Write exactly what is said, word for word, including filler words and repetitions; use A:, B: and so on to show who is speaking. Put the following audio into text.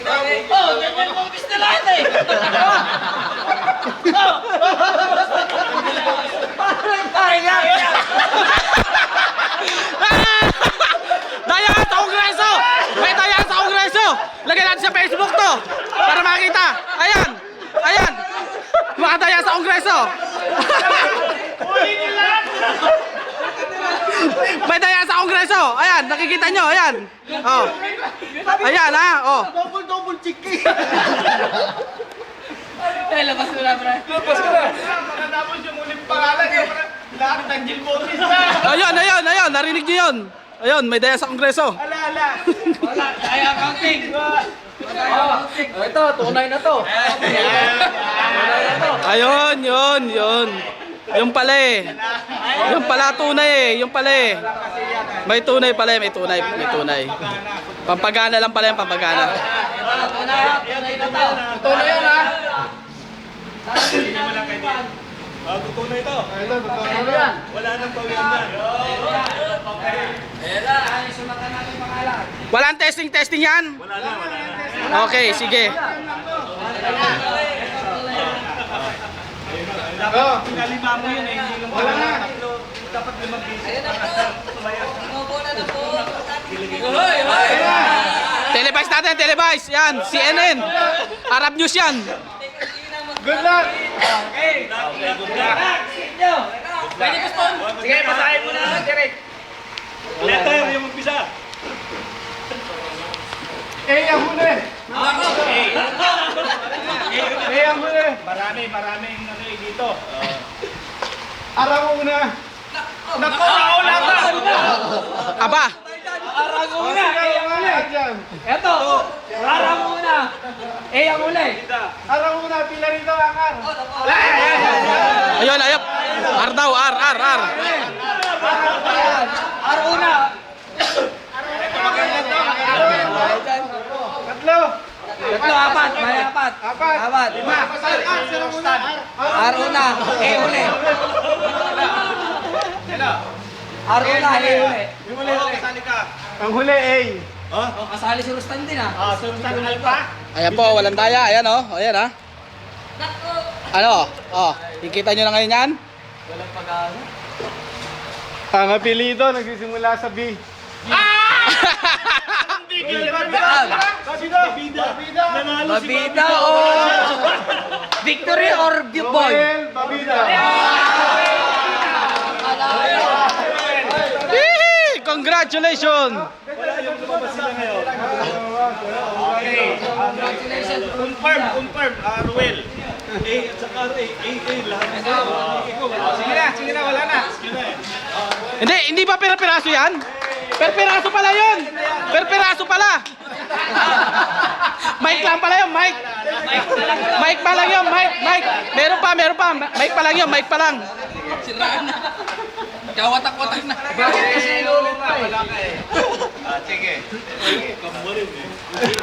A: Oh, ganyan mo gusto lahat eh. Ay, nga, nga.
B: Daya sa Kongreso! May daya sa Kongreso! Lagyan natin sa Facebook to para makita. Ayan! Ayan! Mga daya sa Kongreso! May daya sa Kongreso! Ayan! Nakikita nyo! Ayan! Oh. Ayan ha! Oh.
C: Double double chicken.
A: Ay, labas mo na, bro.
C: Tapos ko na. Nakatapos yung ulit pangalan. Lahat ng Jill Botis na.
B: Ayun! Ayun! Ayun! Narinig nyo yun! Ayun! May daya sa Kongreso!
C: Ala, ala.
A: Wala, ay accounting.
C: Oh, ito, tunay na to.
B: Ayun! Yun! Yun! Yung pala eh! Yung pala tunay eh! Yung pala eh! May tunay pala eh! May tunay! May tunay! Pampagana lang pala yung pampagana.
C: Tunay yan ha.
D: Ah, tutunay ito.
C: Ito, tunay yan.
D: Wala nang pawyan na.
B: Walang testing testing yan?
D: Wala na, wala na.
B: Okay, sige.
C: Oh,
D: Pinalima mo yun eh, hindi lang
C: wala na.
D: dapat limang piso.
A: Hoy, hoy.
B: Televise natin, televise. Yan, C N N. Arab News yan.
C: Good luck.
A: Pwede gusto.
C: Sige, pasahin mo na, Derek.
D: Letter yung umpisa.
C: Eh, ang huli.
A: Ako.
C: Eh, ang huli.
D: Marami, maraming ano eh dito.
C: Araw una. Nako, naula ka.
B: Aba,
A: Arang una.
C: Araw una. Diyan.
A: Eto. Arang una. Eh, ang uli.
C: Araw una, pila rito ang ar.
B: ayun, ayun. R daw, R, R, R.
A: Arang una.
C: Tatlo.
A: Tatlo, apat. May apat.
C: Apat.
A: Apat.
C: Lima. Ar, sino muna?
A: Arang una. Eh, uli. Arang una. Eh, uli.
D: Yung muli, kasali ka.
C: Ang huli, A.
D: Oh?
A: Oh, kasali si Rustan din ah.
C: Ah, sunod sa alpa.
B: Ayan po, walang daya. Ayan oh, ayan ha. Ano? Oh, kikita nyo na ngayon yan?
C: Ang apelido nagsisimula sa B.
D: Babida. Babida. Nanalo si
A: Babida o Victory or Boy?
C: Noel Babida.
B: Hihi! Congratulations!
D: Wala yung lumabas sila ngayon.
A: Congratulations.
D: Confirm, confirm. Ah, Ruel. A at saka A, A, A, lahat.
C: Sige na, sige na, wala na.
B: Hindi, hindi ba pera-peraso yan? Per-peraso pala yun! Per-peraso pala! Mic lang pala yun, mic! Mic pa lang yun, mic, mic! Meron pa, meron pa! Mic pa lang yun, mic pa lang!
A: Kawatak-watak na.
C: Bakit kasi inulit pa? Wala ka eh.
D: Ah, sige. Kamurin eh.